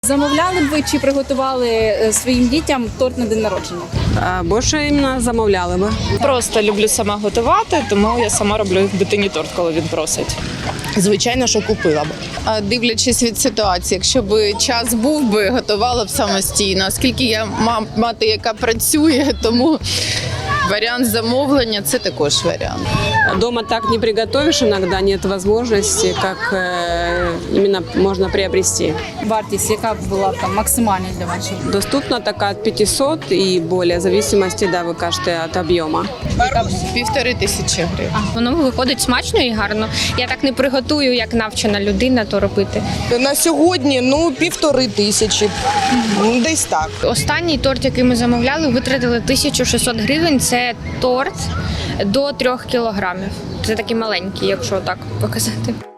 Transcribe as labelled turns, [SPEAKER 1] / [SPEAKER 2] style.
[SPEAKER 1] Замовляли б ви чи приготували своїм дітям торт на день народження?
[SPEAKER 2] Більше іменно замовляли би.
[SPEAKER 3] Просто люблю сама готувати, тому я сама роблю дитині торт, коли він просить.
[SPEAKER 4] Звичайно, що купила б. Дивлячись від ситуації, якщо б час був би, готувала б самостійно. Оскільки я мати, яка працює, тому варіант замовлення – це також варіант.
[SPEAKER 2] Дома так не приготовишь, иногда нет возможности, как именно можно приобрести.
[SPEAKER 1] Вартість, яка б була там максимальна для вас?
[SPEAKER 2] Доступна такая от 500 и более, в зависимости, да, вы кажете, от объема.
[SPEAKER 4] 1500 гривень.
[SPEAKER 5] Воно виходить смачно і гарно. Я так не приготую, як навчена людина, то робити.
[SPEAKER 6] На сьогодні 1500, десь так.
[SPEAKER 5] Останній торт, який ми замовляли, витратили 1600 гривень. Це торт до 3 кілограмів. Це такий маленький, якщо так показати.